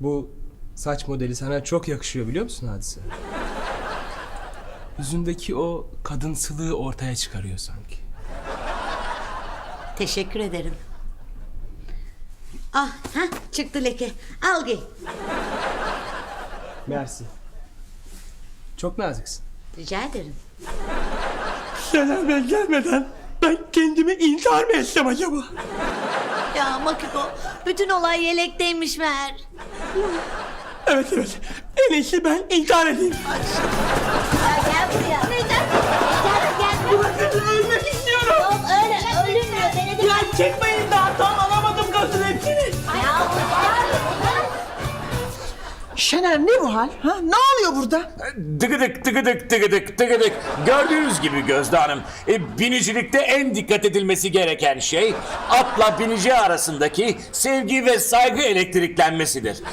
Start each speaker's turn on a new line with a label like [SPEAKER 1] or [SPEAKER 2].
[SPEAKER 1] Bu saç modeli sana çok yakışıyor biliyor musun Hadise? Yüzündeki o kadınsılığı ortaya çıkarıyor sanki.
[SPEAKER 2] Teşekkür ederim. Ah, çıktı leke. Al giy.
[SPEAKER 1] Mersi. Çok naziksin.
[SPEAKER 2] Rica ederim.
[SPEAKER 3] Şener Bey gelmeden ben kendimi intihar mı etsem acaba?
[SPEAKER 2] Ya Makiko, bütün olay yelekteymiş meğer.
[SPEAKER 3] Evet. En iyisi ben intihar edeyim.
[SPEAKER 2] Ya gel buraya. Neden? Gel.
[SPEAKER 3] Bırakın, ölmek istiyorum.
[SPEAKER 2] Yok öyle ölünmüyor. Beni de...
[SPEAKER 3] Ya çekmeyin daha, tam alamadım gazın hepsini.
[SPEAKER 2] Ya
[SPEAKER 4] Şener ne bu hal? Ha? Ne oluyor burada?
[SPEAKER 5] Tıgıdık. Gördüğünüz gibi Gözde Hanım, binicilikte en dikkat edilmesi gereken şey atla binici arasındaki sevgi ve saygı elektriklenmesidir.